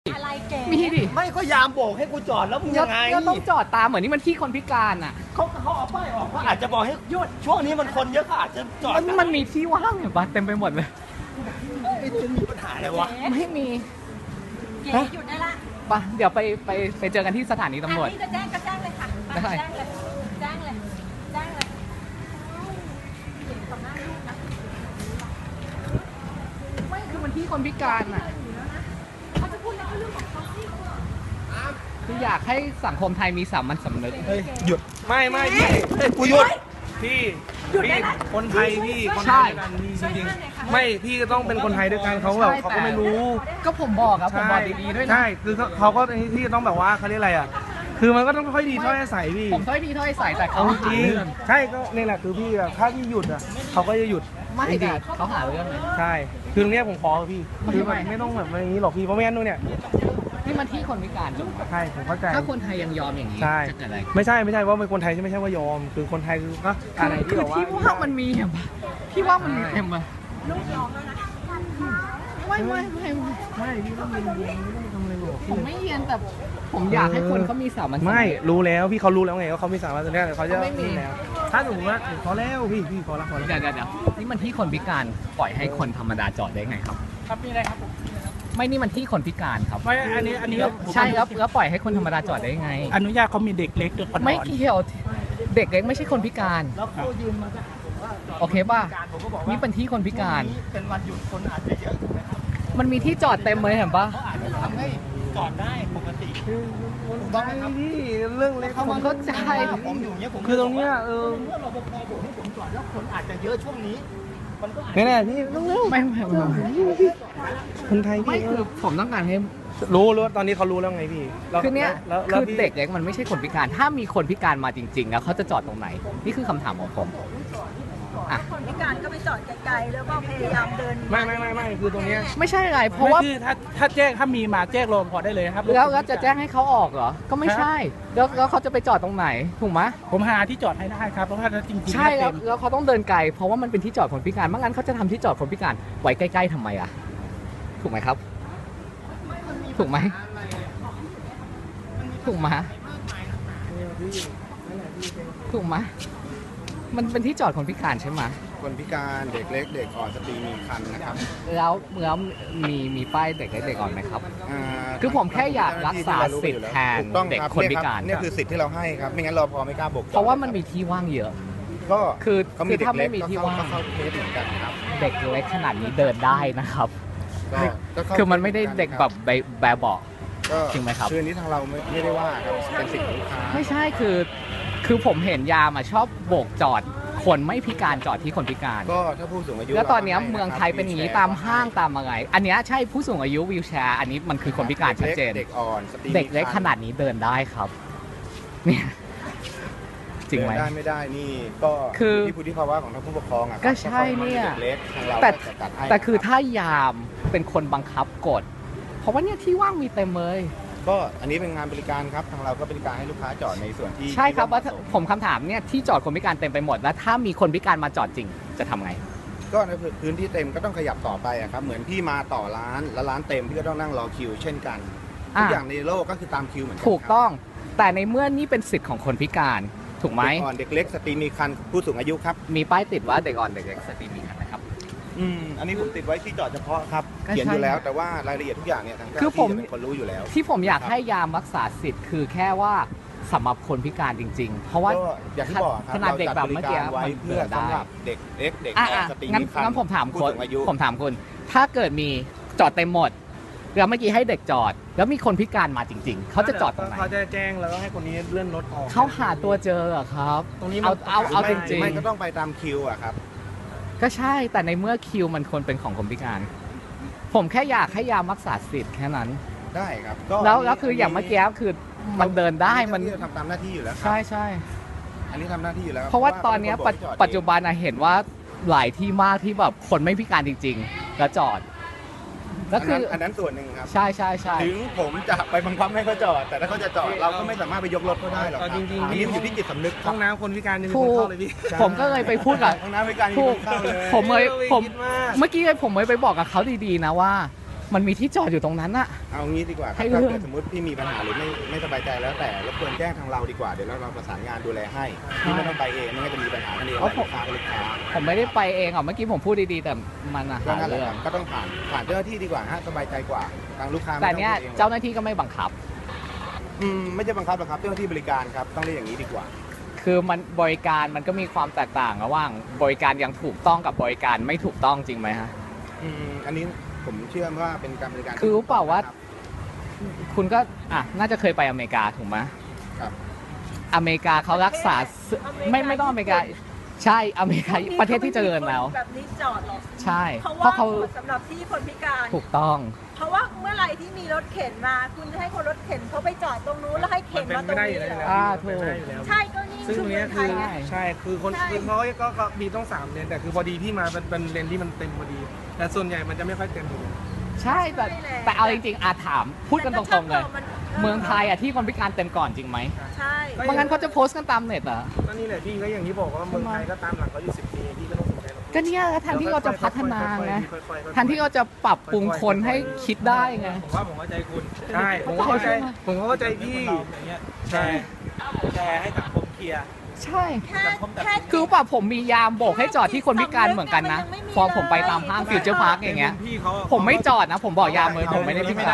อะไรเก๋มีดิไม่ก็ยามโบกให้กูจอดแล้วมึงยังไงก็ต้องจอดตามเหมือนนี่มันที่คนพิการอ่ะเขาเอาป้ายออกว่าอาจจะบอกให้หยุดช่วงนี้มันคนเยอะก็อาจจะจอดมันมีที่ว่างอยู่ปะเต็มไปหมดเลยจะมีปัญหาอะไรวะไม่มีเก๋หยุดได้ละปะเดี๋ยวไปเจอกันที่สถานีตำรวจอันนี้จะแจ้งก็แจ้งเลยค่ะได้แจ้งเลยแจ้งเลยแจ้งเลยเก๋ต่อหน้าลูกนะไม่คือมันที่คนพิการอ่ะเขาจะพูดอะไรก็เรื่องของเขาสิคืออยากให้สังคมไทยมีสามัญสำนึกเฮ้ยหยุดไม่พี่กูหยุดพี่คนไทยพี่คนไทยด้วยกันนี่จริงๆไม่พี่ก็ต้องเป็นคนไทยด้วยกันเขาแบบเขาก็ไม่รู้ก็ผมบอกครับผมบอกดีๆด้วยนะใช่คือเขาก็ที่ต้องแบบว่าเขาเรียกอะไรอ่ะคือมันก็ต้องค่อยดีถ้อยอาศัยพี่ผมถ้อยทีถ้อยใส่แต่เขาเอาจหาริงเรื่องใช่ก็นี่แหละคือพี่อะถ้าพี่หยุดอ่ะเขาก็จะหยุดไม่จริแต่งเขาหาเรื่องเลยๆใช่คือตรงเนี้ยผมขอพี่คือมันไม่ต้องแบบอย่างนี้หรอกพี่เพราะไม่งั้นนู่นเนี่ยนี่มันที่คนพิการถูกไหมใช่ผมเข้าใจถ้าคนไทยยังยอมอย่างนี้ใช่จะเกิดอะไรไม่ใช่ว่าเป็นคนไทยไม่ใช่ว่ายอม คือคนไทยคือก็อะไรที่คือแบบว่าที่ว่างมันมีเห็นปะที่ว่างมันมีเห็นปะลูกร้องแล้วนะไม่ไม่พี่ต้องเรียนไม่ต้องทำอะไรหรอกผมไม่เรียนแต่ผมอยากให้คนเขามีสามัญสำนึกไม่รู้แล้วพี่เขารู้แล้วไงว่าเขามีสามารถจะเรียกเขาจะเขาไม่มีนี่แล้วถ้าสมมติว่าพอแล้วพี่พอแล้วเดี๋ยวนี่มันที่คนพิการปล่อยให้คนธรรมดาจอดได้ไงครับครับมีอะไรครับผมไม่นี่มันที่คนพิการครับไม่อันนี้ใช่ครับแล้วปล่อยให้คนธรรมดาจอดได้ไงอนุญาตเขามีเด็กเล็กด้วยก่อนไม่เกี่ยวเด็กเล็กไม่ใช่คนพิการแล้วเขายืนมาจากโอเคป่ะผมก็บอกว่านี่เป็นที่คนพิการเป็นวันหยุดคนอาจจะเยอะถูกไหมครับมันมีที่จอดเต็มเลยเห็นปะเขาอาจจะทำให้จอดได้ปกติต้องให้พี่เรื่องเล็กผมเข้าใจผมอยู่เนี้ยผมคือตรงเนี้ยเมื่อรปภบอกให้ผมจอดแล้วคนอาจจะเยอะช่วงนี้มันก็แน่ๆพี่ต้องเร็วไม่คนไทยไม่พี่คือผมต้องการให้รู้ตอนนี้เขารู้แล้วไงพี่แล้วคือเนี้ยแล้วคือพี่เด็กเล็กมันไม่ใช่คนพิการ ถ้ามีคนพิการมาจริง ๆ แล้วเขาจะจอดตรงไหน นี่คือคำถามของผมอ่ะคนพิการก็ไปจอดไกลๆแล้วก็พยายามเดินไม่คือตรงเนี้ยไม่ใช่อะไรเพราะว่าไม่คือถ้าแจ้งถ้ามีมาแจ้งรปภได้เลยนะครับแล้วจะแจ้งให้เขาออกเหรอ ก็ไม่ใช่ แล้วเขาจะไปจอดตรงไหน ถูกไหมผมหาที่จอดให้ได้ครับเพราะว่าถ้าจริงๆใช่เต็มแล้วเขาต้องเดินไกล เพราะว่ามันเป็นที่จอดคนพิการไม่งั้นเขาจะทำที่จอดคนพิการไว้ใกล้ๆทำไมอ่ะ ถูกไหมครับ ถูกไหมถูกไหมถูกไหมมันเป็นที่จอดคนพิการใช่ไหมคนพิการเด็กเล็กเด็กอ่อนสตรีมีครรภ์นะครับแล้วมีป้ายเด็กเล็กเด็กอ่อนไหมครับอ่าคือผมแค่อยากรักษาสิทธิ์แทนถูกต้องเด็กรับคนพิการเนี่ยคือสิทธิ์ที่เราให้ครับ ไม่งั้นเราพอไม่กล้าบกเพราะว่ามันมีที่ว่างเยอะก็คือเขามีเด็ถ้ากเล็ไม่กมีก็ที่เข้าว่างเข้าเคสเหมือนกันครับเด็กเล็กขนาดนี้เดินได้นะครับก็เข้าคือมันไม่ได้เด็กแบบแบบเบาะก็จริงไหมครับคืออันนี้ทางเราไม่ได้ว่าครับเป็นสิทธิ์ของลูกค้าไม่ใช่คือผมเห็นยามชอบโบกจอดคนไม่พิการจอดที่คนพิการก็ถ้าผู้สูงอายุแล้วตอนเนี้ยราให้เมืองไทยเป็นอย่างนี้วิวแชร์ตามห้างตามอะไร อันเนี้ยใช่ผู้สูงอายุวีลแชร์อันนี้มันคือคนพิการชัดเจนเด็กอ่อนสตรีเด็กเล็กมีคขรรภ์นาดนี้เดินได้ครับ เนี่ยจริงไหมเดินได้ไม่ได้นี่ก็คือที่พุทธิภาวะของทางผู้ปกครองอะครับก็ใช่เนี่ยด็กเล็กทางเราแต่ก็จะจัดให้แต่คือถ้ายามเป็นคนบังคับกฎเพราะว่าเนี่ยที่ว่างมีเต็มเลยก็อันนี้เป็นงานบริการครับทางเราก็บริการให้ลูกค้าจอดในส่วนที่ใช่ครับว่าที่เหมะสมผมคำถามเนี่ยที่จอดคนพิการเต็มไปหมดแล้วถ้ามีคนพิการมาจอดจริงจะทำไงก็ในพื้นที่เต็มก็ต้องขยับต่อไปอะครับเหมือนพี่มาต่อร้านแล้วร้านเต็มพี่ก็ต้องนั่งรอคิว เช่นกันทุกอย่างในโลกก็คือตามคิวเหมือนกันถูกต้องแต่ในเมื่อนี่เป็นสิทธิ์ของคนพิการถูกไหมเด็กอ่อนเด็กเล็กสตรีมีครรภ์ผู้สูงอายุครับมีป้ายติดว่าเด็กอ่อนเด็กเล็กสตรีมีคันนะครับอันนี้ผมติดไว้ที่จอดเฉพาะครับก็ใช่เขียนอยู่แล้วแต่ว่ารายละเอียดทุกอย่างเนี่ยทางเจ้าหคือน้าผมที่จะเป็นคนรู้อยู่แล้วที่ผมอยากให้ยามรักษาสิทธิ์คือแค่ว่าสำหรับคนพิการจริง ๆ เพราะว่าก็อย่างที่บอกครับขนาดเด็กแบบเมื่อกี้ราจัดบริารไว้เพื่อมันเดินได้สำหรับเด็กเล็กเด็กอ่ะอ่อนสตรีงั้นมีครรภ์งั้นผมถามผู้คุณสูงอายุผมถามคุณถ้าเกิดมีจอดเต็มหมดแล้วเมื่อกี้ให้เด็กจอด แล้วมีคนพิการมาจริง ๆเขาจะจอดตรงไหนเขาจะแจ้งแล้วก็ให้คนนี้เลื่อนรถออกเขาหาตัวเจอเหรอครับตรงนี้มันเอาจริงไม่ก็ต้องไปตามคิวอะครับๆก็ใช่แต่ในเมื่อคิวมันควรเป็นของคนพิการ ผมแค่อยากให้ยามรักษาสิทธิ์แค่นั้นได้ครับก็แล้วคืออย่างเมื่อกี้คือมันเดินได้มันทำตามหน้าที่อยู่แล้วครับใช่ใช่อันนี้ทำหน้าที่อยู่แล้วคบเพราะว่าตอนเนี้ยขาเป็นคบอกให้จอดปัจจุบันอะเห็นว่าหลายที่มากที่แบบคนไม่พิการจริงๆแล้วจอดแล้วคืออันนั้นส่วนหนึ่งครับใช่ใช่ใช่ถึงผมจะไปบังคับให้เขาจอด แต่ถ้าเขาจะจอดเราก็ไม่สามารถไปยกรถเขาได้หรอกครับจริงๆอันนี้มันอยู่ที่จิตสำนึกคห้รัอบ งน้ำคนพิการยังมีถูคนกเข้าเลยพี่ผมก็เลยไปพูดกับห้องน้ำบริการยังถูมีกคนเข้าเลยผมเลยผมคิดมากเมื่อกี้เลยผมเลยไปบอกกับเขาดีๆนะว่ามันมีที่จอดอยู่ตรงนั้นอะเอางี้ดีกว่าคให้รับเรื่ถ้าองเกิดสมมติพี่มีปัญหาหรือไม่สบายใจแล้วแต่รบกวนแจ้งทางเราดีกว่าเดี๋ยวเราประสานงานดูแลให้พี่ไม่ต้องไปเองไม่งั้นจะมีปัญหากันเองหลายลูกค้ากับลูกค้าผมไม่ได้ไปเองอ่ะเมื่อกี้ผมพูดดีๆแต่มันอะก็หานั่นแหละเรื่คอรังบก็ต้องผ่านเจ้าหน้าที่ดีกว่าฮะสบายใจกว่าทางลูกค้าไม่แต่ต้องเนี้ยพูดองเจ้าหน้าที่ก็ไม่บังคับไม่ใช่บังคับหรอกครับเจ้าหน้าที่บริการครับต้องเรียกอย่างนี้ดีกว่าคือมันบริการมันก็มีความแตกต่างระหว่างบริการอย่างถูกต้องกับบริการไม่ถูกต้องจริงไหมฮะอันนี้ผมเชื่อว่าเป็นการบริการคือรู้เปล่าว่าครับคุณก็น่าจะเคยไปอเมริกาถูกไหมครับอเมริกาเขารักษาไม่ต้องอเมริกาใช่อเมริกาประเทศที่เจริญแล้วแบบนี้จอดหรอกใช่เพราะเพราะว่าเขาสำหรับที่คนพิการถูกต้องเพราะว่าเมื่อไหร่ที่มีรถเข็นมา คุณจะให้คนรถเข็นเขาไปจอดตรงนู้นแล้วให้มัเข็นนเป็นมาตรไม่งได้อนี้ยู่แล้วเหรอเป็นไม่ได้อยู่แล้วใช่ก็นี่ซึ่งตรงเนี้ยคือชุมชนไทยไงใช่คือคนใช่คือเขาก็มีต้อง3 เลนแต่คือพอดีพี่มาเป็นเลนที่มันเต็มพอดี แต่ส่วนใหญ่มันจะไม่ค่อยเต็มอยู่ใช่แต่เอาจริงๆถามพูดกันตรงๆเลย เมืองไทยที่คนพิการเต็มก่อนจริงไหมใช่ไม่งั้นเขาจะโพสต์กันตามเน็ตอ่ะก็นี่แหละพี่ก็อย่างที่บอกว่าเมืองไทยก็ตามหลังเขาอยู่10 ปีพี่ก็ต้องสนใจหรอกก็เนี่ยแทนที่เราจะพัฒนาไงค่อยๆแทนที่เราจะปรับปรุงคนให้คิดได้ไงผมว่าผมเข้าใจคุณใช่ผมก็เข้าใจพี่อย่างเงี้ยใช่แต่ให้สังคมเคลียร์ใช่แค่คือป่ะผมมียามโบกให้จอดที่คนพิการเหมือนกันนะ พอผมไปตามห้างฟิวเจอร์พาร์คอย่างเงี้ยพี่เขาผมไม่จอดนะ ผมบอกยามเลยผมไม่ได้พิการ